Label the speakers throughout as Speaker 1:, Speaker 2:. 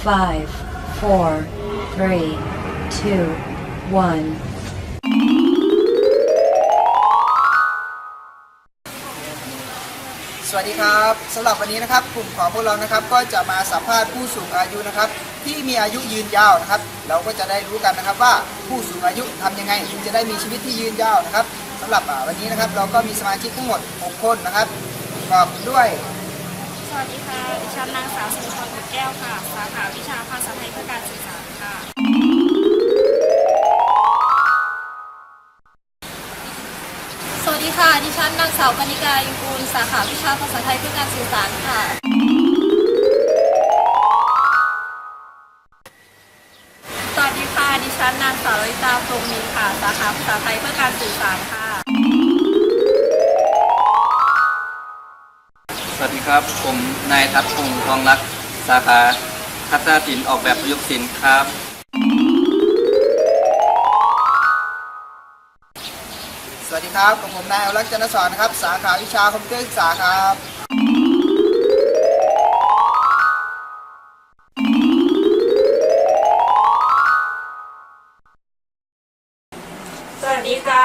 Speaker 1: 5, 4, 3, 2, 1.
Speaker 2: สวัสดีครับสำหรับวันนี้นะครับกลุ่มของพวกเรานะครับก็จะมาสัมภาษณ์ผู้สูงอายุนะครับที่มีอายุยืนยาวนะครับเราก็จะได้รู้กันนะครับว่าผู้สูงอายุทำยังไงถึงจะได้มีชีวิตที่ยืนยาวนะครับสำหรับวันนี้นะครับเราก็มีสมาชิกทั้งหมด6คนนะครับประกอบด้วย
Speaker 3: สวัสดีค่ะ ดิฉันนางสาวสุพรบุตรแก้วค่ะ สาขาวิชาภาษาไทยเพื่อการสื่อสารค่ะ
Speaker 4: สวัสดีค่ะ ดิฉันนางสาวกนิกาอินกูล สาขาวิชาภาษาไทยเพื่อการสื่อสารค่ะ
Speaker 3: สวัสดีค่ะ ดิฉันนางสาวลิตาพรหมมีค่ะ สาขาภาษาไทยเพื่อการสื่อสารค่ะ
Speaker 5: สวัสดีครับผมนายทัศน์พงษ์ทองรักสาขาทัศนศิลป์ออกแบบประยุกต์ศิลป์ครับ
Speaker 2: สวัสดีครับผมนายอรักษ์จันทศรนะครับสาขาวิชาคอมพิวเตอร์ศึกษาครับ
Speaker 3: สวัสดีค่ะ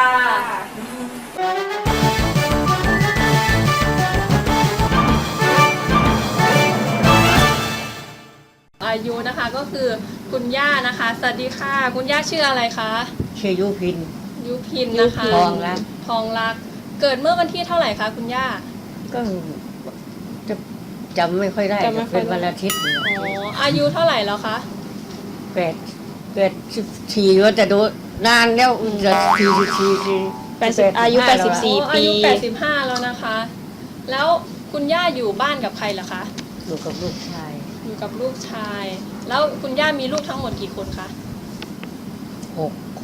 Speaker 4: อายุนะคะก็คือคุณย่านะคะ สวัสดีค่ะ คุณย่าชื่ออะไรคะ
Speaker 6: ชื่อยุพิน
Speaker 4: ยุพินนะคะ
Speaker 6: ทองรัก
Speaker 4: ทองรัก เกิดเมื่อวันที่เท่าไหร่คะคุณย่า
Speaker 6: ก็จะจำไม่ค่อยได้
Speaker 4: จำไม่ค่อยได้
Speaker 6: เป็นวันอาทิตย์
Speaker 4: อ๋อ อายุเท่าไหร่แล้วคะ
Speaker 6: 84ว่าจะดูนานแล้วจะ44
Speaker 4: อายุ
Speaker 6: 85แล้ว
Speaker 4: อายุ 85 แล้วนะคะ แล้วคุณย่าอยู่บ้านกับใครเหรอคะ
Speaker 6: อยู่กับลูกชาย
Speaker 4: อยู่กับลูกชาย แล้วคุณย่ามีลูกทั้งหมดกี่คนคะ
Speaker 6: 6 คน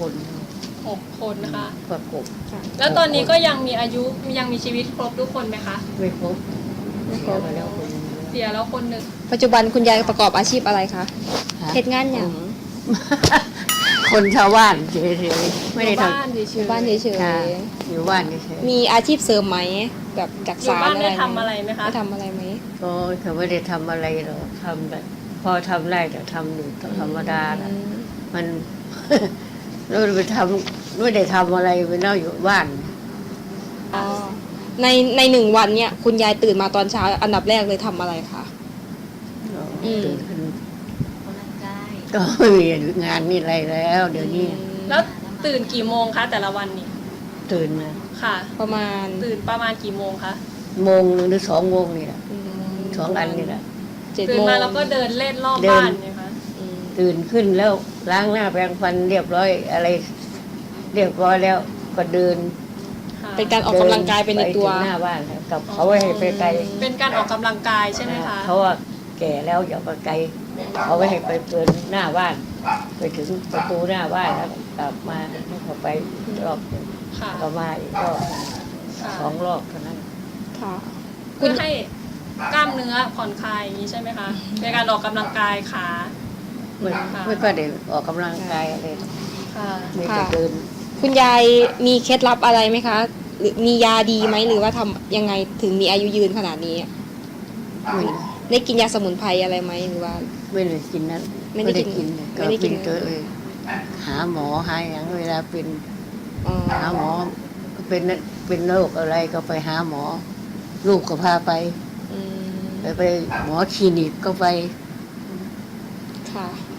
Speaker 4: 6 คนนะคะ
Speaker 6: ประกบ
Speaker 4: แล้วตอนนี้ก็ยังมีอายุยังมีชีวิตครบทุกคนไหมคะ
Speaker 6: ไม่ครบเสียไปแล้วคนหนึ่ง
Speaker 4: เสียแล้วคนหนึ่ง
Speaker 7: ปัจจุบันคุณยายประกอบอาชีพอะไรคะ
Speaker 6: ฮะ
Speaker 7: เฮ็ดงานอย่าง
Speaker 6: คนชาวบ้านเฉยๆไม่ได้ท
Speaker 4: บ้านเฉย
Speaker 7: อยู่บ้านเฉย
Speaker 6: ำค่ะอยู่บ้านเฉย
Speaker 7: ๆมีอาชีพเสริมไหม แบบจาก
Speaker 4: อยู่
Speaker 7: สาร
Speaker 4: บ้าน
Speaker 7: อะไร
Speaker 4: ได้ทำอะไรไหมคะ
Speaker 7: ได้ทำอะไรไหม
Speaker 6: ๆก็เขาไม่ได้ทำอะไรหรอกทำแบบพอทำได้แต่ทำอยู่ธรรมดานะมัน เราไปทำไม่ได้ทำอะไรไปนั่งอยู่บ้าน
Speaker 7: อ๋อในหนึ่งวันเนี่ยคุณยายตื่นมาตอนเช้า อันดับแรกเลยทำอะไรคะ อืม
Speaker 6: ตื่นขึ้นก็ไม่มีงานนี่อะไรแล้ว เดี๋ยวนี้
Speaker 4: แล้วตื่นกี่โมงคะแต่ละวันนี่
Speaker 6: ตื่นนะ
Speaker 4: ค่ะ
Speaker 7: ประมาณ
Speaker 4: ตื่นประมาณกี่โมงคะ
Speaker 6: โมงหนึ่งหรือ2 โมงนี่แหละ
Speaker 7: อืม
Speaker 6: 2 อันนี่แหละ
Speaker 7: 7
Speaker 4: ตื่น
Speaker 7: โมง
Speaker 4: มาแล้วก็เดินเล่นรอบ
Speaker 6: เดิน
Speaker 4: บ้านเนี่ยคะ
Speaker 7: อืม
Speaker 6: ตื่นขึ้นแล้วล้างหน้าแปรงฟันเรียบร้อยอะไร เรียบร้อยแล้วก็เดิน
Speaker 4: ค่ะ
Speaker 7: เป็นการออกกำลังกายไปในตัว
Speaker 6: ถึงหน้าบ้านแล้วกับเขาไว้ให้ไปไกล
Speaker 4: เป็นการออกกำลังกายใช่ไหมคะ
Speaker 6: เขาว่าแก่แล้วอย่าไปไกลเขาไว้ให้ไปเปิดหน้าบ้าน ไปถึงประตูหน้าบ้านแล้วกลับมาให้เขาไปรอบหนึ่ง
Speaker 4: ค่ะ
Speaker 6: ก็มาอีกรอบ
Speaker 4: ค่ะ
Speaker 6: 2 รอบเท่านั้น
Speaker 7: ค่ะ
Speaker 4: เพื่อให้กล้ามเนื้อผ่อนคลายอย่างนี้ใช่ไหมคะในการออกกำลังกายขา
Speaker 6: ไม่
Speaker 4: ค่ะ
Speaker 6: ไม่ค่อยได้ออกกำลังกายอะไร
Speaker 4: ค่ะ
Speaker 6: มีแต่เดิน
Speaker 7: คุณยายมีเคล็ดลับอะไรไหมคะ หรือมียาดีไหมหรือว่าทำยังไงถึงมีอายุยืนขนาดนี้
Speaker 6: ไม่
Speaker 7: ได้กินยาสมุนไพรอะไรไหมหรือว่า
Speaker 6: ไม่ได้กินนั้น
Speaker 7: ไม่ได้กิน
Speaker 6: เลย
Speaker 7: ไม่ได้กิน
Speaker 6: ตัวเองหาหมอหาอย่างเวลาเป็น
Speaker 7: อ๋อ
Speaker 6: หาหมอก็เป็นโรคอะไรก็ไปหาหมอ ลูกก็พาไป
Speaker 7: อืม
Speaker 6: ไปหมอคลินิกก็ไป
Speaker 7: ค่ะ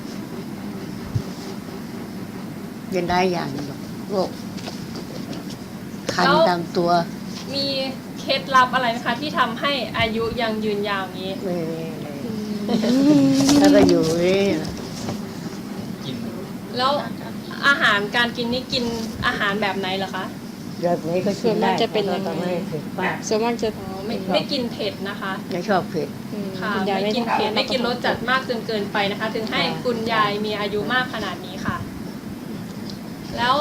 Speaker 6: เป็นได้อย่างหรอกโรคคันตามตัว
Speaker 4: มีเคล็ดลับอะไรไหมคะที่ทำให้อายุยังยืนยาวอย่างนี้
Speaker 6: ไม่มีอะไรแล้วก็อยู่นี่นะ
Speaker 4: แล้วอาหารการกินนี่กินอาหารแบบไหนเหรอคะ
Speaker 6: แบบนี้ก็กินได้
Speaker 7: ส่วนมากจะเป็นยังไง
Speaker 6: แต่ไม่เผ็ดมาก
Speaker 7: ส่วนมากจะ
Speaker 4: อ๋อไม่กินเผ็ดนะคะ
Speaker 6: ไม่ชอบเผ็ด
Speaker 4: ค่ะ
Speaker 7: คุณยาย
Speaker 4: ไม่กินเผ็ดไม่กินรสจัดมากจนเกินไปนะคะ ถึงให้คุณยายมีอายุมากขนาดนี้ค่ะ แล้ว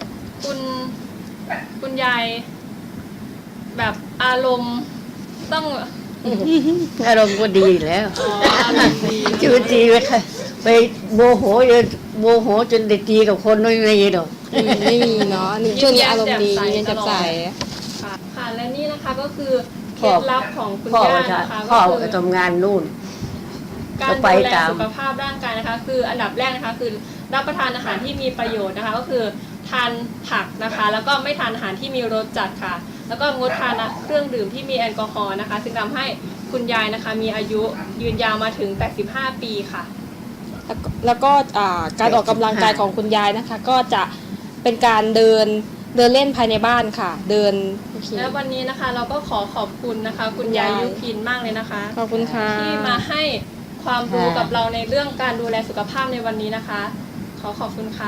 Speaker 4: คุณยายแบบอารมณ์ต้อง
Speaker 6: อารมณ์ก็ดีแล้ว
Speaker 4: อ๋ออารมณ์ดี
Speaker 6: ชีวิตดีไปค่ะไปโมโหจนได้ตีกับคนไม่มีหรอก
Speaker 7: ไม่มีเนาะนี่ช่วงนี้อารมณ์ดียิ้มแย้มแจ่มใส
Speaker 4: ค่ะค่ะและนี่นะคะก็คือเคล็ดลับของคุณ
Speaker 6: พ่อย่
Speaker 4: านะคะ
Speaker 6: พ่อ
Speaker 4: ก็
Speaker 6: ไป
Speaker 4: คือ
Speaker 6: ทำงานนู่น
Speaker 4: การดูแลสุขภาพร่างกายนะคะคืออันดับแรกนะคะคือรับประทานอาหารที่มีประโยชน์นะคะก็คือทานผักนะคะแล้วก็ไม่ทานอาหารที่มีรสจัดค่ะแล้วก็งดทานเครื่องดื่มที่มีแอลกอฮอล์นะคะซึ่งทำให้คุณยายนะคะมีอายุยืนยาวมาถึง85ปีค่ะ
Speaker 7: แล้วก็การออกกำลังกายของคุณยายนะคะ ก็จะเป็นการเดินเล่นภายในบ้านค่ะ เดินโอเค
Speaker 4: และวันนี้นะคะเราก็ขอขอบคุณนะคะคุณยายยุพินมากเลยนะคะ
Speaker 7: ขอบคุณค่ะ
Speaker 4: ที่มาให้ความรู้กับเราในเรื่องการดูแลสุขภาพในวันนี้นะคะ ขอขอบคุณค่ะ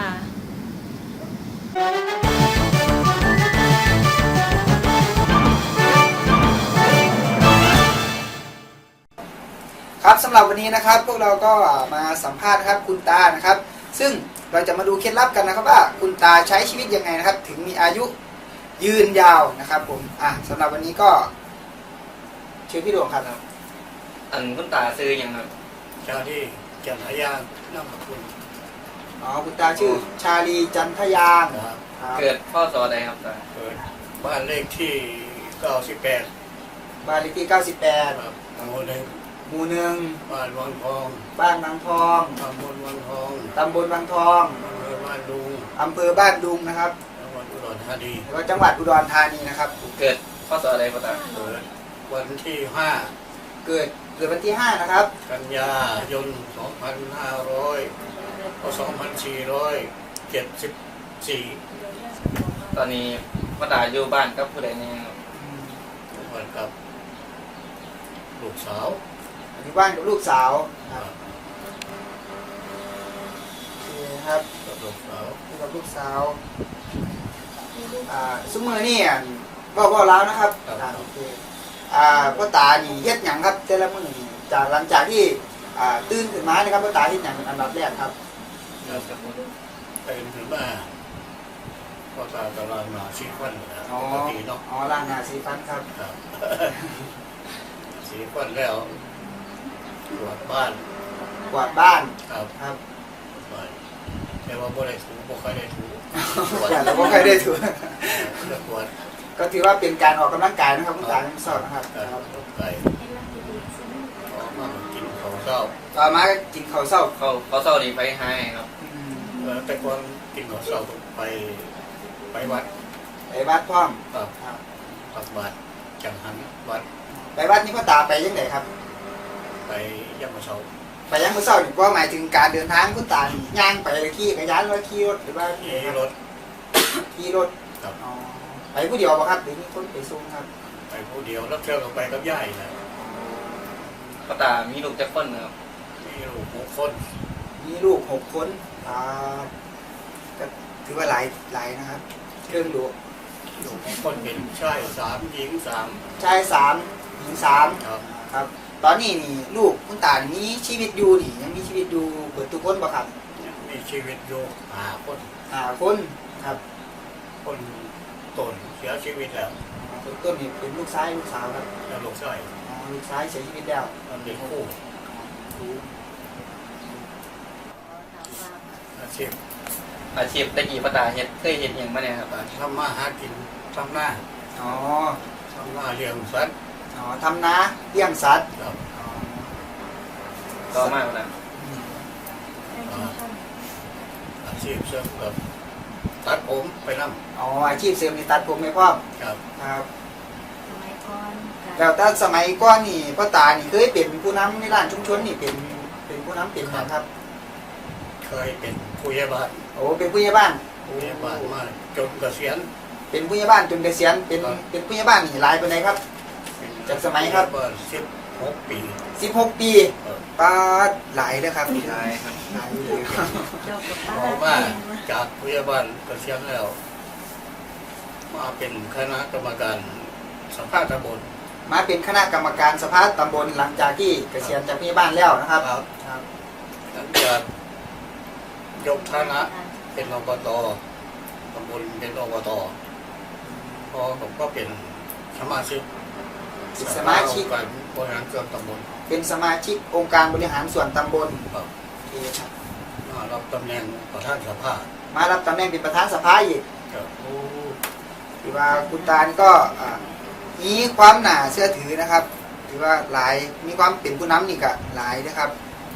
Speaker 2: ครับสำหรับวันนี้นะครับพวกเราก็มาสัมภาษณ์นะครับคุณตานะครับ ซึ่งเราจะมาดูเคล็ดลับกันนะครับว่าคุณตาใช้ชีวิตยังไงนะครับ ถึงมีอายุยืนยาวนะครับผมสำหรับวันนี้ก็เชิญพี่ดวงครับ
Speaker 5: อันคุณตาซื้อยังครับ
Speaker 8: ชาลีจันทยางนามสกุล
Speaker 2: คุณตาชื่อชาลีจันทยาง
Speaker 8: นะครับ
Speaker 2: ครับ
Speaker 5: เกิดพ่อสอใดครับตา
Speaker 8: เกิดบ้านเลขที่98
Speaker 2: บ้านเลขที่98
Speaker 8: ครับตำบลหนึ่ง
Speaker 2: หมู่หนึ่ง
Speaker 8: บ้านวังทอง
Speaker 2: บ้านบางทอง
Speaker 8: ตำบลวังทอง
Speaker 2: ตำบลบางทอง
Speaker 8: อำเภอบ้านดุง
Speaker 2: อำเภอบ้านดุงนะครับ
Speaker 8: จังหวัดอุดรธานี
Speaker 2: แล้วก็จังหวัดอุดรธานีนะครับ
Speaker 5: เกิดพ่อสอใดพ่อตา
Speaker 8: เกิดวันที่
Speaker 2: เกิดวันที่5นะครับ
Speaker 8: 5 กันยายน 2474
Speaker 5: ตอนนี้พ่อตาอยู่บ้านกับผู้ใดเนี่ยครับ
Speaker 8: เหมือนกับลูกสาว
Speaker 2: อยู่บ้านกับลูกสาวครับโอเคครับ
Speaker 8: กับลูกสาว
Speaker 2: อยู่กับลูกสาวซุ้มมือนี่บอกแล้วนะครับโอเคพ่อตานี่เฮ็ดหยังครับแต่ละมื้อนี่จากหลังจากที่ตื่นขึ้นมานะครับพ่อตาเฮ็ดหยังเป็นอันดับแรกครับ
Speaker 8: แล้วก็เป็นถึงมาพ่อตากำลังมาชีฟันนะปกติเนาะ
Speaker 2: ล้างหน้าสีฟันครับ
Speaker 8: ครับ สีฟันแล้วตรวจบ้าน
Speaker 2: กวาดบ้าน
Speaker 8: ครับ
Speaker 2: ครับ
Speaker 8: ไปแต่ว่าบ่ได้ถูบ่ค่อยได้ถู
Speaker 2: แต่เราก็เคยได้ถือ
Speaker 8: จะปวด
Speaker 2: ก็ถือว่าเป็นการออกกำลังกายนะครับคุณตาทั้งสองนะครับ
Speaker 8: ครับไปออกมากินข้าวเช้า
Speaker 2: ต่อมาก็กินข้าวเช้า
Speaker 5: เขาเศร้าดีไปให้ครับ
Speaker 8: แต่ก่อนกินข้าวเช้าไปวัด
Speaker 2: ไปวัดพร้อม
Speaker 8: ครับ
Speaker 2: ครับ
Speaker 8: ตักบาตรจังหันวัด
Speaker 2: ไปวัดนี่พ่อตาไปยังไงครับ
Speaker 8: ไปย่ำมะเช้า
Speaker 2: ไปยังมื้อเช้านี่ก็หมายถึงการเดินทางคุณตานี่ย่างไปขี่จักรยานหรือขี่รถหรือว่า
Speaker 8: ขี่รถ
Speaker 2: ขี่รถ
Speaker 8: ครับ
Speaker 2: ไปผู้เดียวป่ะครับหรือมีคนไปส่งครับ
Speaker 8: ไปผู้เดียวแล้วเที่ยวก็ไปกับย่ายนะ
Speaker 5: พ่อตามีลูกจักคนนะครับ
Speaker 8: มีลูก6 คน
Speaker 2: มีลูก6 คนก็ถือว่าหลายนะครับเครื่องดู
Speaker 8: ลูก6 คนเป็นชาย3หญิง3
Speaker 2: ชาย3หญิง3
Speaker 8: ครับ
Speaker 2: ครับตอนนี้นี่ลูกคุณตานี่มีชีวิตอยู่นี่ยังมีชีวิตอยู่เบิดทุกคนป่ะครับ
Speaker 8: มีชีวิตอยู่5 คน
Speaker 2: คนครับ
Speaker 8: คนต้นเสียชีวิตแล้ว
Speaker 2: คนต้นนี่เป็นลูกชายลูกสาวครับ
Speaker 8: แล้วลูกชาย
Speaker 2: ลูกชายเสียชีวิตแล้ว
Speaker 8: มันเป็นคู่อาชีพ
Speaker 5: อาชีพตะกี้พ่อตาเฮ็ดเคยเฮ็ดหยังมาเนี่ยครับ
Speaker 8: ทำมาหากินทำหน้า
Speaker 2: อ๋อ
Speaker 8: ทำหน้าเลี้ยงสัตว์
Speaker 2: ทำนาเลี้ยงสัตว์
Speaker 8: ครับ
Speaker 5: ต่อมาพ่อตา
Speaker 8: อาชีพเสริมกับตัดผมไปนั่ง
Speaker 2: อาชีพเสริมนี่ตัดผมไม่พ่อ
Speaker 8: ครับ
Speaker 2: ครับแล้วแต่สมัยก่อนนี่พ่อตานี่เคยเป็นผู้นำในร้านชุมชนนี่เป็นผู้นำเป็นนะครับ
Speaker 8: เคยเป็นผู้ใหญ่บ้าน
Speaker 2: เป็นผู้ใหญ่บ้าน
Speaker 8: ผู้ใหญ่บ้านมาจนเกษียณ
Speaker 2: เป็นผู้ใหญ่บ้านจนเกษียณเป็นผู้ใหญ่บ้านนี่หลายปานใดครับ จากสมัยครับ
Speaker 8: 16 ปี
Speaker 2: 16 ปีป้าดหลายเลยครับ
Speaker 5: ใช่ครับ
Speaker 2: หลายเลยครับ
Speaker 8: ออกมาจากผู้ใหญ่บ้านเกษียณแล้ว มาเป็นคณะกรรมการสภาตำบล
Speaker 2: มาเป็นคณะกรรมการสภาตำบลหลังจากที่เกษียณจากผู้ใหญ่บ้านแล้วนะครับ
Speaker 8: ครับ หลังจากยกฐานะเป็นอบตตำบลเป็นอบตพอผมก็เป็นสมาชิก
Speaker 2: สมาชิก
Speaker 8: การบริหารส่วนตำบล
Speaker 2: เป็นสมาชิกองค์การบริหารส่วนตำบล
Speaker 8: ครับ
Speaker 2: โอเคครับ
Speaker 8: มารับตำแหน่งประธานสภา
Speaker 2: มารับตำแหน่งเป็นประธานสภาอีก
Speaker 8: ครับ
Speaker 2: ถือว่าคุณตานี่ก็มีความน่าเชื่อถือนะครับถือว่าหลายมีความเป็นผู้นำนี่ก็หลายนะครับ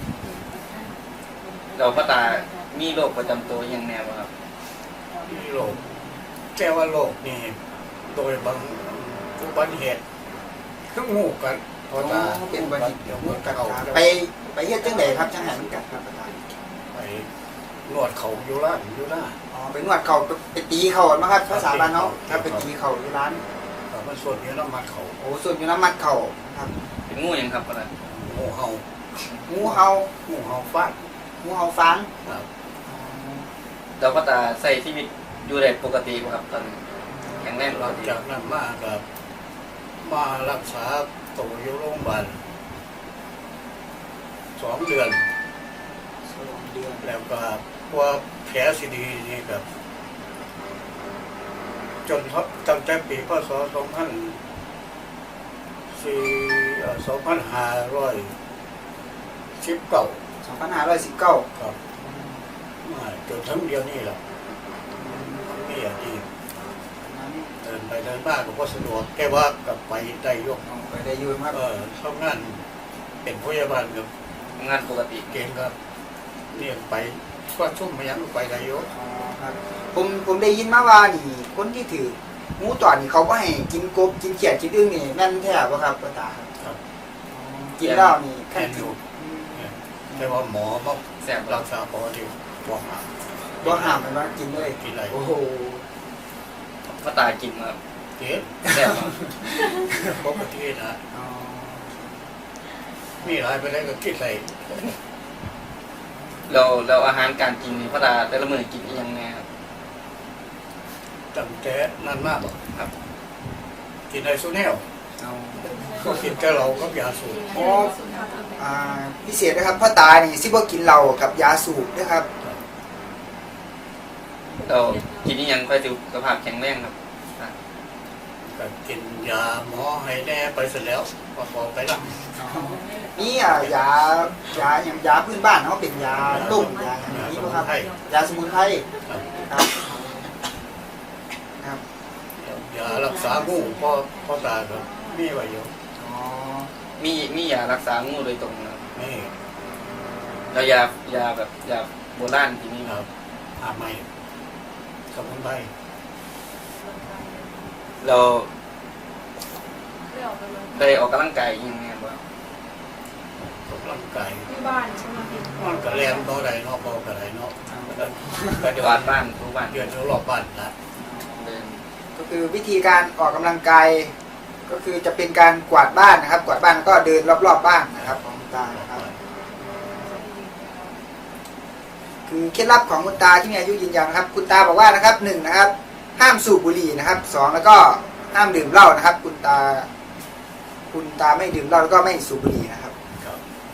Speaker 5: เราพ่อตามีโรคประจำตัวอย่างแนวครับ
Speaker 8: ที่โลกแต่ว่าโลกนี่โดยบางอุบัติเหตุคืองูกันพอตา
Speaker 2: เป็นอุบัติเหตุ
Speaker 8: งูกัด
Speaker 2: เอา
Speaker 8: เอา
Speaker 2: ไปเฮ็ดจังไดครับจังหันกัดครับอาจารย์
Speaker 8: ไปนวดเขาอยู่ร้านอยู่หน้า
Speaker 2: อ๋อไปนวดเขาไปตีเขามั้งครับภาษาบ้านเนาะครับไปตีเขาอยู่ร้าน
Speaker 8: มันส่วนนี้น้ำมันเขา
Speaker 2: โอ้ส่วนอยู่น้ำมัดเขาครับ
Speaker 5: เป็นงูอย่างครับพ่อตา
Speaker 8: งูเห่า
Speaker 2: งูเห่า
Speaker 8: งูเห่าฟาด
Speaker 2: งูเห่าฟาง
Speaker 8: ครับ
Speaker 5: เราพ่อตาใส่ชีวิตอยู่ได้ปกติบ่ครับตอนแข็งแรง
Speaker 8: ห
Speaker 5: ป
Speaker 8: ลั
Speaker 5: ก
Speaker 8: ง
Speaker 5: ติ
Speaker 8: จากนั้นมากับมารักษาตัวอยู่โรงพยาบาล2 เดือน
Speaker 2: 2 เดือน
Speaker 8: แล้วก็ว่าแผลซีดีนี่แบบจนตั้งแต่ปีพศ2519
Speaker 2: 2519
Speaker 8: ครับมาจนทั้งเดียวนี่แหละนี่อาชีพเดินไปเดินมาก็บ่สะดวกแค่ว่ากับไปได้ยก
Speaker 2: ไปได้อยู่ครับ
Speaker 8: ทำงานเป็นพยาบาลกับ
Speaker 5: ทำงานปกติ
Speaker 8: เก่งครับเนี่ยไปก็ชุ่มมายังไปได้ยก
Speaker 2: อ๋อครับผมได้ยินมาว่านี่คนที่ถืองูตอดนี่เขาก็ให้กินกบกินเขียดกินอึ่งนี่แม่นแท้บ่ครับป้าตาครับ
Speaker 8: ครับ
Speaker 2: กินแล้วนี่
Speaker 8: แค่อยู่เนี่ยแต่ว่าหมอมา
Speaker 5: แซ่บ
Speaker 8: รักษาปกติบอกมา
Speaker 2: บ่ห้ามมันว่ากินเลย
Speaker 8: กินอะไร
Speaker 2: โอ้โห
Speaker 5: พ่อตากินครับ
Speaker 8: เจ็บ
Speaker 5: แซ่บครับ
Speaker 8: ปกตินะ
Speaker 2: อ๋อ
Speaker 8: มีอะไรไปได้ก็กินอะไร
Speaker 5: เราอาหารการกินนี่พ่อตาแต่ละมื้อกินอหยังแน่ครับ
Speaker 8: ตั้งแต่นั้นมาก
Speaker 5: ครับ
Speaker 8: กินอะไรสู้แนว
Speaker 2: เอา
Speaker 8: ก็กินแต่เราก็ยาสูบ
Speaker 2: อ๋อพิเศษนะครับพ่อตานี่สิบ่กินเหล้ากับยาสูบนะครับ
Speaker 5: เรากินอหยังค่อยสุขภาพแข็งแรงครับ
Speaker 8: ก็กินยาหมอให้แน่ไปเสร็จแล้วพอไปละ
Speaker 2: นี่ยาอย่างยาพื้นบ้านเขาเป็นยาต้มยาอย่างนี้ป่ะครับ ยาสมุนไพร
Speaker 8: ครับ
Speaker 2: ครับครับ
Speaker 8: ยารักษางูพ่อตาก็มีไว้อยู่
Speaker 2: อ๋อ
Speaker 5: มียารักษางูโดยตรงนะครับ
Speaker 8: นี่
Speaker 5: แล้วยาแบบยาโบราณที่นี่
Speaker 8: ครับหาไม่สมุนไพร
Speaker 5: เราได้ออกกำลังกายอยังไงบ้าง
Speaker 8: ออกกำลังกาย
Speaker 3: ที่บ้านใช่ไหมพี่
Speaker 8: มันก็แรงบ่ได้เนาะบ่ก็ได้เนาะ
Speaker 5: ปฏิวัติบ้านทุกบ้าน
Speaker 8: เดือนรอบบ้านละ
Speaker 5: เดิน
Speaker 2: ก็คือวิธีการออกกำลังกายก็คือจะเป็นการกวาดบ้านนะครับ กวาดบ้านแล้วก็เดินรอบๆบ้านนะครับของคุณตานะครับ คือเคล็ดลับของคุณตาที่มีอายุยืนยาวนะครับ คุณตาบอกว่านะครับ1นะครับห้ามสูบบุหรี่นะครับ2แล้วก็ห้ามดื่มเหล้านะครับ คุณตาไม่ดื่มเหล้าแล้วก็ไม่สูบบุหรี่นะครับ
Speaker 8: ครับ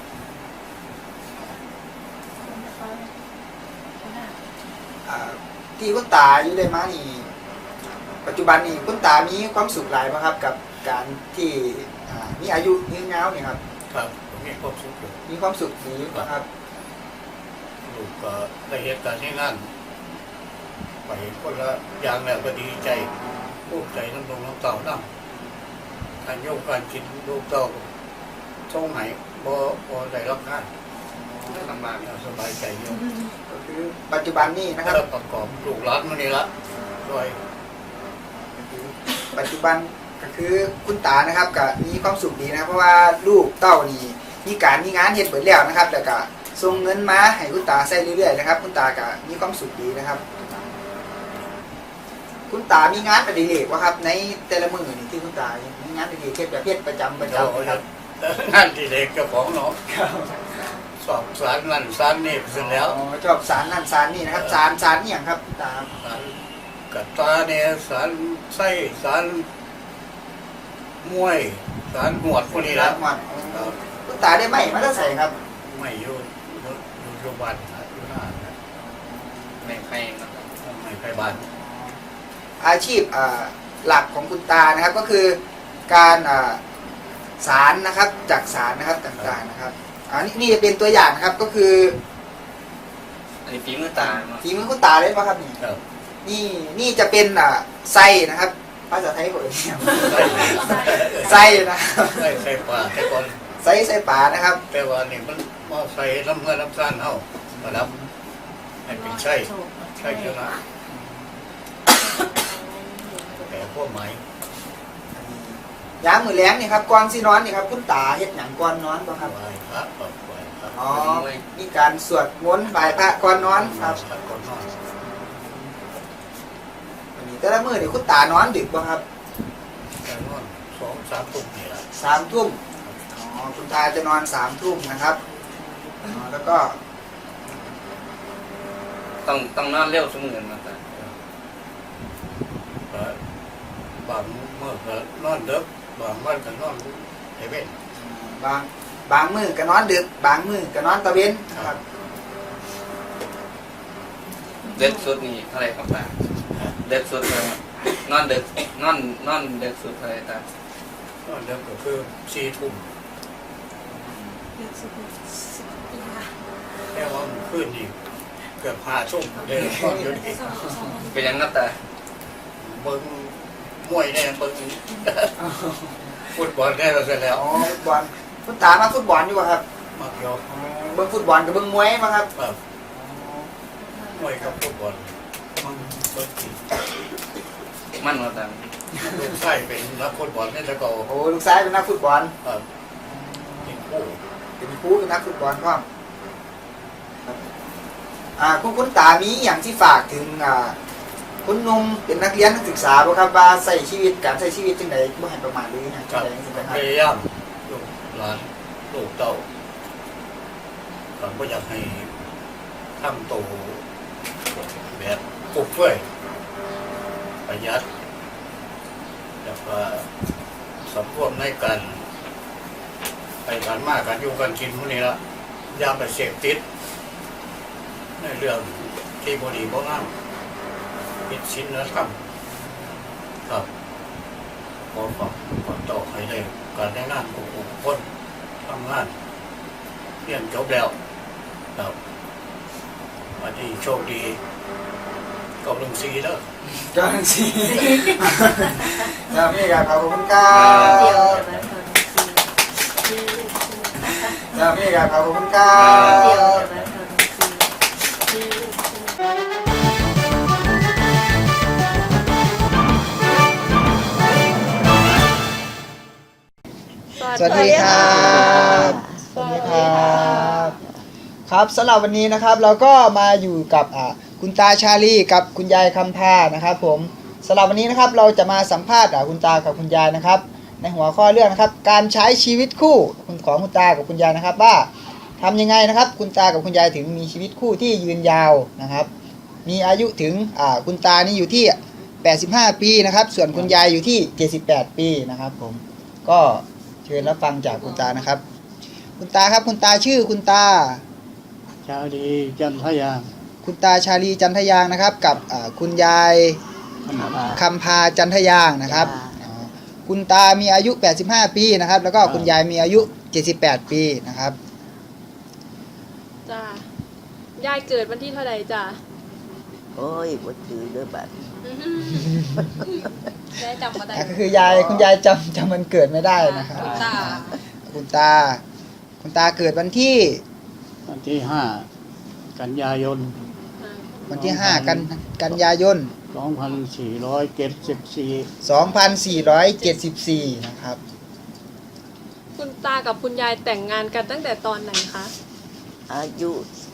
Speaker 2: ที่คุณตาอยู่ได้มานี่ปัจจุบันนี่คุณตามีความสุขหลายไหมครับกับการที่มีอายุยืนยาวเนี่ยครับ
Speaker 8: ครับผมมีความสุขอยู่
Speaker 2: มีความสุขดีไหมครับ
Speaker 8: ลูกก็ได้เหตุการณ์ที่นั่นไปคนละอย่างแล้วก็ดีใจภูมิใจน้ำลงน้ำเต่าน้ำการโยกการกินลูกเต่าช่องไหนบ่ได้รับงาน
Speaker 5: ลำบาก
Speaker 8: สบายใจเยอะ
Speaker 2: ก็คือปัจจุบันนี่นะครับ
Speaker 8: แล้วประกอบลูกหลานมานี่ละด้วย
Speaker 2: ปัจจุบันก็คือคุณตานะครับก็มีความสุขดีนะครับเพราะว่าลูกเต้านี่มีการมีงานเฮ็ดเบิดแล้วนะครับแล้วก็ส่งเงินมาให้คุณตาใช้เรื่อยๆนะครับ คุณตาก็มีความสุขดีนะครับ คุณตามีงานอดิเรกวะครับ ในแต่ละมื้อนี่ที่คุณตามีงานอดิเรกเฮ็ดแบบเฮ็ดประจำครับ
Speaker 8: งานที่เด็กเจ้าของเนาะสอบสารนั่นสารนี่เสร็จแล้ว
Speaker 2: อ๋อชอบสารนั่นสารนี่นะครับสารนี่อย่างครับคุณตา
Speaker 8: สารกัตตาเนี่ยสารไส้สารมวยสารหวดพวกนี้ละ
Speaker 2: หมดคุณตาได้ไหมมาแล้วใส่ครับ
Speaker 8: ไม่อยู่โรงพยาบาลอยู่หน้า
Speaker 5: ไม่ใครนะครับ
Speaker 8: ไม่ไปบ้าน
Speaker 2: อาชีพหลักของคุณตานะครับก็คือการสารนะครับจากสารนะครับต่างๆนะครับนี่จะเป็นตัวอย่างนะครับก็คือ
Speaker 5: อันนี้ฝีมือตาเนาะ
Speaker 2: ฝีมือคุณตาเลยป่ะครับนี่
Speaker 8: ครับ
Speaker 2: นี่จะเป็นไส้นะครับภาษาไทยผมไส้นะครับ
Speaker 8: ใส่ปลาแต่ก่อน
Speaker 2: ไส้ปลานะครับ
Speaker 8: แต่ว่านี่มันมาใส่น้ำเงินน้ำซ่านเฮา
Speaker 2: อ
Speaker 8: ระดับให้เป็นใช่ชนะแต่พวกไม้
Speaker 2: ยามมื้อแลงนี่ครับก่อนสินอนนี่ครับคุณตาเฮ็ดหยังก่อนนอนบ่ครับ
Speaker 8: ไหว้พระก่อนไหว้พระ
Speaker 2: อ๋อมีการสวดมนต์ไหว้พระก่อนนอนครับ
Speaker 8: ก่อนนอน
Speaker 2: วันนี้แต่ละมื้อนี่คุณตานอนดึกบ่ครับ
Speaker 8: แต่นอน2-3 ทุ่มนี่ละ
Speaker 2: 3 ทุ่มอ๋อคุณตาจะนอน3 ทุ่มนะครับอ๋อแล้วก็
Speaker 5: ต้องนอนเร็วเสมอนะตา
Speaker 8: ก็บางเมื่อก็นอนดึกบางวันก็นอนเฮเว่น
Speaker 2: บางมื้อก็นอนดึกบางมื้อก็นอนตะเวนนะครับ
Speaker 5: เด็กสุดนี่เท่าไหร่ครับตาเด็กสุดเลยนอนเด็กนอนเด็กสุดเท่าไหร่ตาน
Speaker 8: อนดึกก็คือ4 ทุ่มแค่ว่ามันขึ้นอีกเกือบ5 ทุ่มเลยนอนอยู่นี่
Speaker 5: เป็นยังครับตา
Speaker 8: เบิ่งมวยแน่เบิ่งฟุตบอลได้แล้วเสร็จแล้ว
Speaker 2: อ๋อฟุตบอลคุณตามาฟุตบอลอยู่ป่ะครับ
Speaker 8: มักยอ
Speaker 2: อ๋อเบิ่งฟุตบอลกับเบิ่งมวยมาครับ
Speaker 8: แบบมวยกับฟุตบอลมันเบิ่งที่
Speaker 5: มั่นว่าตา
Speaker 8: ลูกชายเป็นนักฟุตบอลนี่แต่ก็
Speaker 2: โอ้ลูกชายเป็นนักฟุตบอล
Speaker 8: แบบเป็นผู้
Speaker 2: เป็นครูเป็นนักฟุตบอลครับคุณตามีอย่างที่ฝากถึงคุณหนุ่มเป็นนักเรียนนักศึกษาบ่ครับว่าใส่ชีวิตการใช้ชีวิตจังไดบ่ให้ประมาทเลยนะ
Speaker 8: กับ
Speaker 2: จังได๋สิครับ
Speaker 8: พยายามลูกหลานลูกเต้าผมก็อยากให้ทำโตแบบปลูกช่วยประหยัดแล้วก็สำรวมในการไปกันมากกันอยู่กันกินพวกนี้ละอย่าไปเสพติดในเรื่องที่บดีบ่งามผิดศีลธรรมครับขอฝากต่อให้ได้การได้งานของคนทำงานเรียนจบแล้วครับวันนี้โชคดีกับลุงซีแล้ว
Speaker 2: จังซี่ครับนี่ครับขอบคุณครับ ครับนี่ครับขอบคุณครับ สวัสดีครับสวัสดีครับครับสำหรับวันนี้นะครับเราก็มาอยู่กับคุณตาชาลีกับคุณยายคำพานะครับผมสำหรับวันนี้นะครับเราจะมาสัมภาษณ์คุณตากับคุณยายนะครับในหัวข้อเรื่องนะครับการใช้ชีวิตคู่ของคุณตากับคุณยายนะครับว่าทำยังไงนะครับคุณตากับคุณยายถึงมีชีวิตคู่ที่ยืนยาวนะครับมีอายุถึงคุณตานี่อยู่ที่85 ปีนะครับส่วนคุณยายอยู่ที่78 ปีนะครับผมก็เชิญรับฟังจากคุณตานะครับคุณตาครับคุณตาชื่อคุณตา
Speaker 8: ชาดีจันทยาง
Speaker 2: คุณตาชาลีจันทยางนะครับกับคุณยายคำพาจันทยางนะครับคุณตามีอายุ85 ปีนะครับแล้วก็คุณยายมีอายุ78 ปีนะครับ
Speaker 4: จ้า ยายเกิดวันที่เท่าไหร่จ้า
Speaker 6: โอ้ยบ่ถือเด้อบัด
Speaker 4: ยายจำมาได้
Speaker 2: ก็คือยายคุณยายจำวันเกิดไม่ได้นะครับ
Speaker 4: ตา
Speaker 2: คุณตาเกิดวันที่
Speaker 8: 5 กันยายน
Speaker 2: วันที่5กันยายน 2474นะครับ
Speaker 4: คุณตากับคุณยายแต่งงานกันตั้งแต่ตอนไหนคะ
Speaker 6: อายุ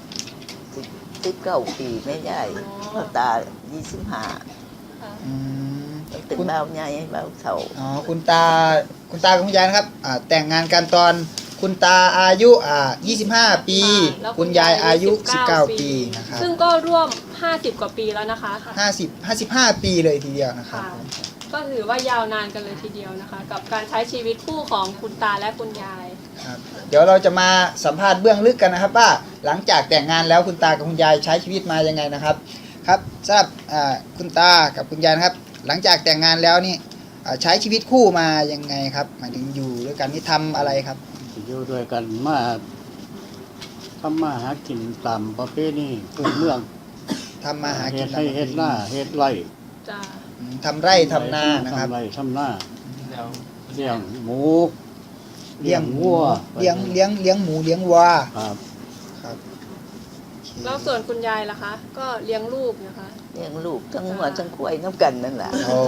Speaker 6: 19 ปีไม่ได้พ่อตา25
Speaker 2: อืม
Speaker 6: เป็นเบาใหญ่เบาเฒ่า
Speaker 2: อ๋อคุณตากับคุณยายนะครับแต่งงานกันตอนคุณตาอายุ25 ปี
Speaker 4: แล้ว
Speaker 2: คุณยายอายุ19 ปีนะครับ
Speaker 4: ซึ่งก็ร่วม50 กว่าปีแล้วนะคะ
Speaker 2: 55 ปีเลยทีเดียวนะครับ
Speaker 4: ค่ะ ก็ถือว่ายาวนานกันเลยทีเดียวนะคะ กับการใช้ชีวิตคู่ของคุณตาและคุณยาย
Speaker 2: ครับเดี๋ยวเราจะมาสัมภาษณ์เบื้องลึกกันนะครับว่าหลังจากแต่งงานแล้วคุณตากับคุณยายใช้ชีวิตมายังไงนะครับครับสำหรับคุณตากับคุณยายนะครับหลังจากแต่งงานแล้วนี่ใช้ชีวิตคู่มายังไงครับหมายถึงอยู่ด้วยกันนี่ทำอะไรครับ
Speaker 8: อยู่ด้วยกันมาทำมาหากินตามประเพณีพื้นเมือง
Speaker 2: ทำมาหากิ
Speaker 8: เฮ็
Speaker 2: น
Speaker 8: ดให้เฮ็ดหน้าเฮ็ดไร่
Speaker 4: จ้า
Speaker 2: ทำไร่ทำนานะครับ
Speaker 8: ทำไร่ทำหน้าเลี้ยงหมู
Speaker 2: เลี้ยง
Speaker 8: วัว
Speaker 2: เลี้ยงหมูเลี้ยงวัว
Speaker 8: ครับ
Speaker 2: ครับโอเค
Speaker 4: แล้วส่วนคุณยายล่ะคะ ก็เลี้ยงลูกนะคะ
Speaker 6: เลี้ยงลูกทั้งหัวทั้งควายน้ำกันนั่นแหละ
Speaker 2: โอ้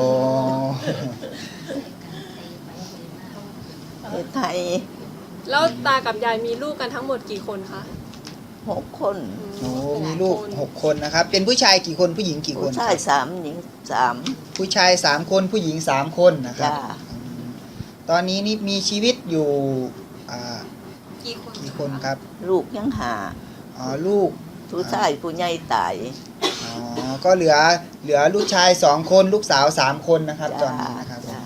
Speaker 6: เฮ็ดไทย
Speaker 4: แล้วตากับยายมีลูกกันทั้งหมดกี่คนคะ
Speaker 6: 6 คน
Speaker 2: โหมีลูก6 คนนะครับ เป็นผู้ชายกี่คนผู้หญิงกี่คน
Speaker 6: ผู้ชาย3หญิง3
Speaker 2: ผู้ชาย3 คนผู้หญิง3 คนนะครับ
Speaker 6: จ้า
Speaker 2: ตอนนี้นี่มีชีวิตอยู่อ่า
Speaker 3: กี่คน
Speaker 2: กี่คนครับ
Speaker 6: ลูกยังหา
Speaker 2: อ๋อลูก
Speaker 6: ผู้ชายผู้ใหญ่ตาย
Speaker 2: อ๋อก็เหลือลูกชาย2 คนลูกสาว3 คนนะครับตอนนี้นะครับ
Speaker 6: จ้า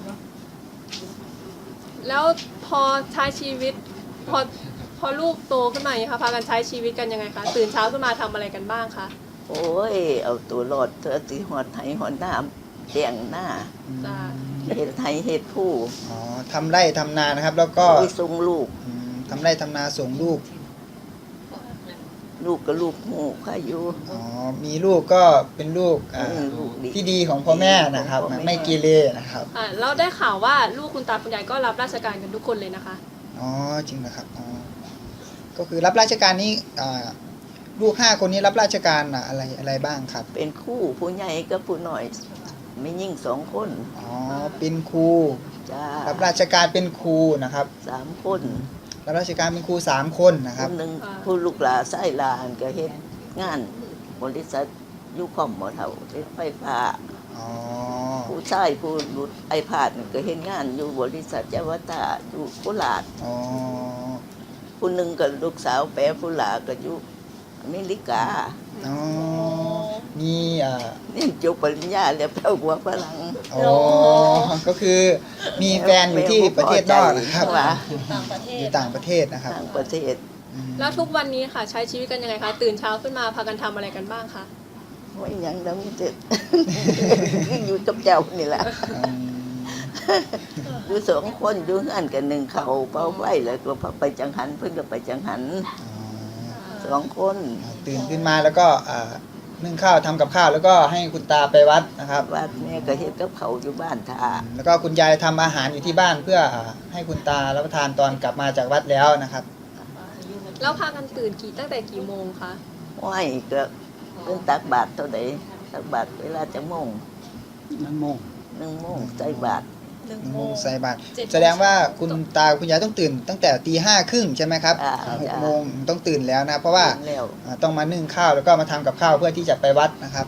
Speaker 4: แล้วพอใช้ชีวิตพอลูกโตขึ้นมาอย่างนี้ค่ะพากันใช้ชีวิตกันยังไงคะตื่นเช้าขึ้นมาทำอะไรกันบ้างคะ
Speaker 6: โอ้ย เอาตัวรอดเธอสิหอดไทยหอดน้ำเตียงหน้า
Speaker 4: จ้า
Speaker 6: เฮ็ดไทยเฮ็ดผู้
Speaker 2: อ๋อทำไร่ทำนานะครับ แล้วก็
Speaker 6: ไปส่งลูก
Speaker 2: ทำไร่ทำนาส่งลูก
Speaker 6: ลูกก็ลูกหูค่ะอยู่
Speaker 2: อ๋อมีลูกก็เป็นลูก
Speaker 6: ลูกดี
Speaker 2: ที่ดีของพ่อแม่นะครับ
Speaker 6: ของพ่อแม่
Speaker 2: ไม่เกเรนะครับ
Speaker 4: แล้วได้ข่าวว่าลูกคุณตาคุณยายก็รับราชการกันทุกคนเลยนะคะ
Speaker 2: อ๋อจริงนะครับอ๋อก็คือรับราชการนี้ลูก5 คนนี้รับราชการอะไรบ้างครับ
Speaker 6: เป็นคู่ผู้ใหญ่กับผู้น้อยไม่ยิ่ง2 คน
Speaker 2: อ๋อเป็นครู
Speaker 6: จ้า
Speaker 2: รับราชการเป็นครูนะครับ
Speaker 6: 3 คน
Speaker 2: รับราชการเป็นครู3 คนนะค
Speaker 6: ค
Speaker 2: รับ
Speaker 6: นหนึ่งผู้ลูกหลานไส้หลานก็เฮ็ดงานบริษัทยุคอมบ่เท่าเฮ็ดไฟฟ้า
Speaker 2: อ๋อ
Speaker 6: ผู้ชายผู้หลุดไอพาดนี่ก็เฮ็ดงานอยู่บริษัทเจาวตาอยู่โคราช
Speaker 2: อ๋อ
Speaker 6: ผู้หนึ่งก็ลูกสาวแปรผู้หลาก็อยู่อเมริกา
Speaker 2: อ๋อมี
Speaker 6: นี่จบปริญญาแล้วไปเอาหัวฝรั่ง
Speaker 2: อ๋อก็คือมีแฟนอยู่ที่ประเทศนอกนะครับ
Speaker 6: ว่า
Speaker 2: อยู่ต่างประเทศนะครับ
Speaker 6: ต่างประเทศ
Speaker 4: แล้วทุกวันนี้ค่ะใช้ชีวิตกันยังไงคะตื่นเช้าขึ้นมาพากันทำอะไรกันบ้างคะ
Speaker 6: ไม่หยังแล้วมีแต่ อยู่กับเจ้านี่แหละ
Speaker 2: อืม
Speaker 6: อยู่2 คนอยู่งานกันหนึ่งเขาเป่าไฟแล้วก็ไปจังหันเพิ่นก็ไปจังหัน
Speaker 2: อ๋อ
Speaker 6: 2 คน
Speaker 2: ตื่นขึ้นมาแล้วก็นึ่งข้าวทำกับข้าวแล้วก็ให้คุณตาไปวัดนะครับ
Speaker 6: วัดแม่ก็เฮ็ดกับเขาวอยู่บ้านท่า
Speaker 2: แล้วก็คุณยายทำอาหารอยู่ที่บ้านเพื่อให้คุณตารับประทานตอนกลับมาจากวัดแล้วนะครับ
Speaker 4: แล้วพากันตื่นตั้งแต่กี่โมงคะ
Speaker 6: ไหว้ก็เพิ่นตักบาตรเท่าใดตักบาตรเวลาจะโมง
Speaker 8: 1 โมง
Speaker 6: 1 โมงใส่บาตร
Speaker 2: ใส่บาตรแสดงว่าคุณตาคุณยายต้องตื่นตั้งแต่ตี 5:30ใช่ไหมครับ 6 โมงต้องตื่นแล้วนะเพราะว่า
Speaker 6: แล้ว
Speaker 2: ต้องมานึ่งข้าวแล้วก็มาทำกับข้าวเพื่อที่จะไปวัดนะครับ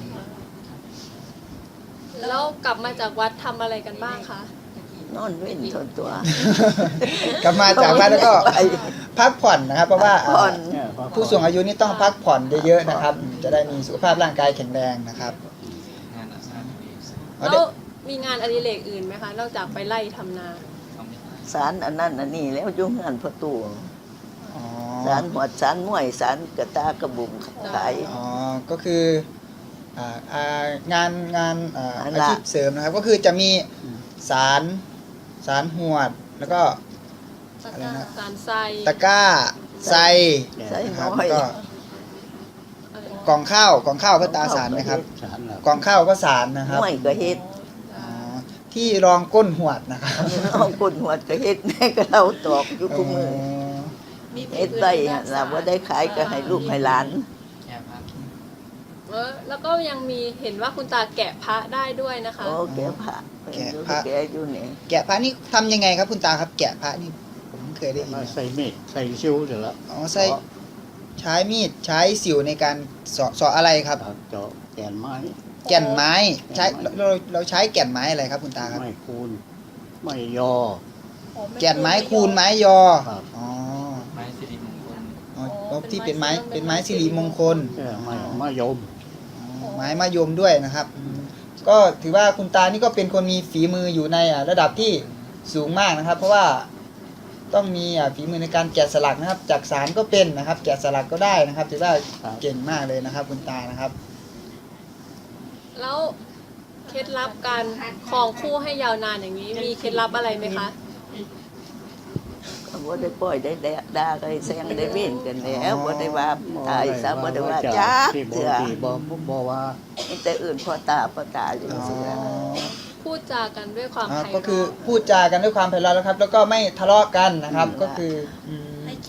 Speaker 4: แล้วกลับมาจากวัดทำอะไรกันบ้างคะ
Speaker 6: นอนเว้นทนตัว
Speaker 2: กลับมาจากวัดแล้วก็พักผ่อนนะครับ เพราะว่า
Speaker 6: พักผ่อน
Speaker 2: ผู้สูงอายุนี่ต้องพักผ่อนเยอะๆนะครับ จะได้มีสุขภาพร่างกายแข็งแรงนะครับ
Speaker 5: งานอาสา
Speaker 4: แล้วมีงานอดิเรกอื่นไหมคะ นอกจากไปไล่ทำนา
Speaker 6: สารอันนั้นอันนี้แล้วอยู่งานประตู
Speaker 2: อ๋อ
Speaker 6: สารหวดสารมวยสารกระตากระบุงขาย
Speaker 2: อ๋อก็คือางาน
Speaker 6: อัน
Speaker 2: อา
Speaker 6: ละ
Speaker 2: ชีพเสริมนะครับ ก็คือจะมีสารหวดแล้วก็ อะไรนะ
Speaker 4: สารไซ
Speaker 2: ตะกร้าไซ
Speaker 6: ใส่
Speaker 2: นะค
Speaker 6: น้
Speaker 2: รับ
Speaker 6: อ
Speaker 2: แล้ว
Speaker 6: ย
Speaker 2: ก็กล่องข้าวก็ตาสารนะครับ
Speaker 8: สารแล้ว
Speaker 2: กล่องข้าวก็สารนะครับ
Speaker 6: มวยก็เฮ็ด
Speaker 2: อ๋อที่รองก้นหวดนะครับ
Speaker 6: น้องคนหัวก็เฮ็ดแม่ก็เราตอกอยู่คุมือเฮ็ดไปเราบ่ได้ขายก็ให้ลูกให้หลาน
Speaker 5: แค่พัก
Speaker 4: แล้วก็ยังมีเห็นว่าคุณตาแกะพระได้ด้วยนะคะ
Speaker 6: โอ้แกพระ
Speaker 2: แกะพระ
Speaker 6: แกอยู่นี่
Speaker 2: แกะพระนี่ทำยังไงครับคุณตาครับ แกะพระนี่ผมเคยได้ยิน
Speaker 8: มา
Speaker 2: นะ
Speaker 8: ใส่เม็ดใส่ซิวเสร็จแล้ว
Speaker 2: อ๋อใช้มีดใช้สิวในการเสาะอะไรครับ
Speaker 8: เจาะแกนไม้
Speaker 2: แก่นไม้ใช้เราใช้แก่นไม้อะไรครับคุณตาครับ
Speaker 8: ไม่คูณไม่ยอ
Speaker 2: แก่นไม้คูณไม้ยอ
Speaker 8: ครับ
Speaker 2: อ๋อ
Speaker 5: ไม้สิริมงคล
Speaker 2: อ๋อที่เป็นไม้สิริมงคล
Speaker 8: ไม่มายม
Speaker 2: ไม้มะยมด้วยนะครับก็ถือว่าคุณตานี่ก็เป็นคนมีฝีมืออยู่ในระดับที่สูงมากนะครับ เพราะว่าต้องมีฝีมือในการแกะสลักนะครับ จากสารก็เป็นนะครับ แกะสลักก็ได้นะครับ ถือว่าเก่งมากเลยนะครับ คุณตานะครับ
Speaker 4: แล้วเคล็ดลับการครองคู่ให้ยาวนานอย่างนี้ มีเคล็ดลับอะไรไหมคะ
Speaker 6: ก็บ่ได้ปล่อยได้ด่าได้แซงได้เว้นกันแล้วบ่ได้ว่าตายซะบ่ได้ว่าจ้า
Speaker 8: ที่
Speaker 6: เถื่อ
Speaker 8: บ่ว่า
Speaker 6: มีแต่อื่นพ่อตาอยู่
Speaker 2: อ๋อ
Speaker 6: เสือ
Speaker 4: พูดจากันด้วยความไพเราะ
Speaker 2: ก็คือพูดจากันด้วยความไพเราะแล้วครับ แล้วก็ไม่ทะเลาะกันนะครับ ก็คือ
Speaker 3: ให้เกียรติซึ่งกัน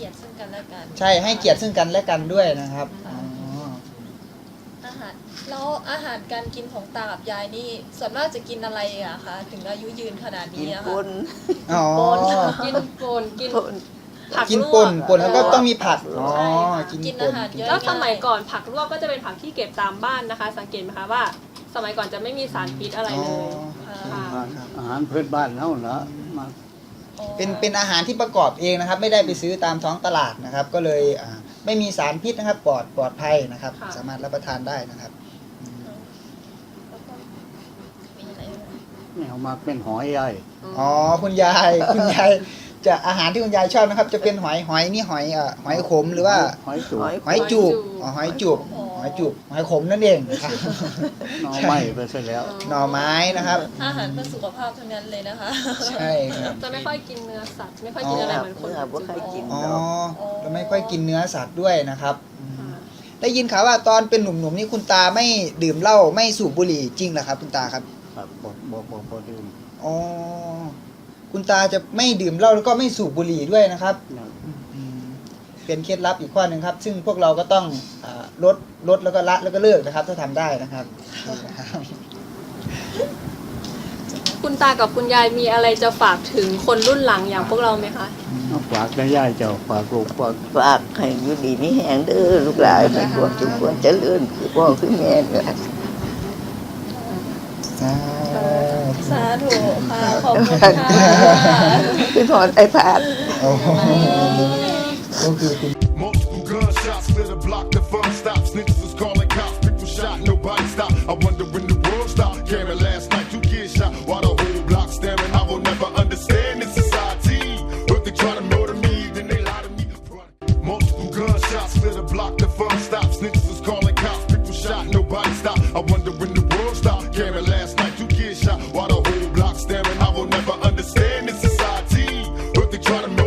Speaker 3: และกัน
Speaker 2: ใช่ให้เกียรติซึ่งกันและกันด้วยนะครับอ๋อ
Speaker 3: อาหารแล้วอาหารการกินของตากับยายนี่ส่วนมากจะกินอะไรอะคะถึงอายุยืนขนาดนี้อะคะ
Speaker 2: อ๋อ
Speaker 4: กินป่นกินผัก
Speaker 2: กิน
Speaker 4: ลว
Speaker 2: ป่นแล้วก็ต้องมีผักอ๋อ
Speaker 3: ใช่ค่ะ
Speaker 2: กิน
Speaker 3: กิน
Speaker 2: ป่
Speaker 3: อาน หารเยอะ
Speaker 4: แล้วสมัยก่อนผักลวกก็จะเป็นผักที่เก็บตามบ้านนะคะ สังเกตไหมคะว่า สมัยก่อนจะไม่มีสารพิษอะไรเลย
Speaker 2: อ๋อ
Speaker 8: อาหารพื้นบ้านเฮานะมา
Speaker 2: เป็นอาหารที่ประกอบเองนะครับ ไม่ได้ไปซื้อตามท้องตลาดนะครับ ก็เลยไม่มีสารพิษนะครับปลอดภัยนะครับ
Speaker 4: ค่ะ
Speaker 2: สามารถรับประทานได้นะครับ
Speaker 3: มีอะไรไหม
Speaker 8: เนี่ยเอามาเป็นหอยใหญ่
Speaker 2: อ๋อคุณยาย จะอาหารที่คุณยายชอบนะครับ จะเป็นหอยนี่หอยขมหรือว่า
Speaker 8: หอยจูบ
Speaker 2: หอยจูบอ๋อหอยจูบหอยขมนั่นเองนะครับ
Speaker 8: หน่อไม้ไปซะแล้ว
Speaker 2: หน่อไม้นะครับ
Speaker 3: อาหารเพื่อสุขภาพทั้งนั้นเลยนะคะ
Speaker 2: ใช่ครับ
Speaker 4: จะไม่ค่อยกินเนื้อสัตว์ไม่ค่อยกินอะไรเหมือนคนอื่น
Speaker 2: อ๋อเราไม่ค่อยกินเนื้อสัตว์ด้วยนะครับได้ยินข่าวว่าตอนเป็นหนุ่มๆนี่คุณตาไม่ดื่มเหล้าไม่สูบบุหรี่จริงเหรอครับคุณตาครับ
Speaker 8: ครับบ่ดื่ม
Speaker 2: อ๋อคุณตาจะไม่ดื่มเหล้าแล้วก็ไม่สูบบุหรี่ด้วยนะครับ
Speaker 8: นะ
Speaker 2: เป็นเคล็ดลับอีกข้อหนึ่งครับ ซึ่งพวกเราก็ต้องลดแล้วก็ละแล้วก็เลิกนะครับ ถ้าทำได้นะครับ
Speaker 4: คุณตากับคุณยายมีอะไรจะฝากถึงคนรุ่นหลังอย่างพวกเราไหมคะ
Speaker 8: เอาฝากได้ย่ายเจ้าฝากลูกฝาก
Speaker 9: ฝากให้อยู่ดีนี่แหงเด้อลูกหลานให้ความสุขความเจริญคือพ่อคือแม่เนี่ย
Speaker 3: สาธุค่ะ ขอบคุณค่ะ
Speaker 9: คือถอนไอ้ผาด
Speaker 2: โอ้โหก็คือคุณ
Speaker 10: Multiple gunshots lit a block, the fun stopped. Snitches was calling cops, people shot, nobody stopped. I wonder when the world stopped. Caring last night, 2 kids shot, while the whole block staring. I will never understand this society. But they try to murder me, then they lie to me. Multiple gunshots lit a block, the fun stopped. Snitches was calling cops, people shot, nobody stopped. I wonder when the world stopped. Caring last night, 2 kids shot, while the whole block staring. I will never understand this society. But they try to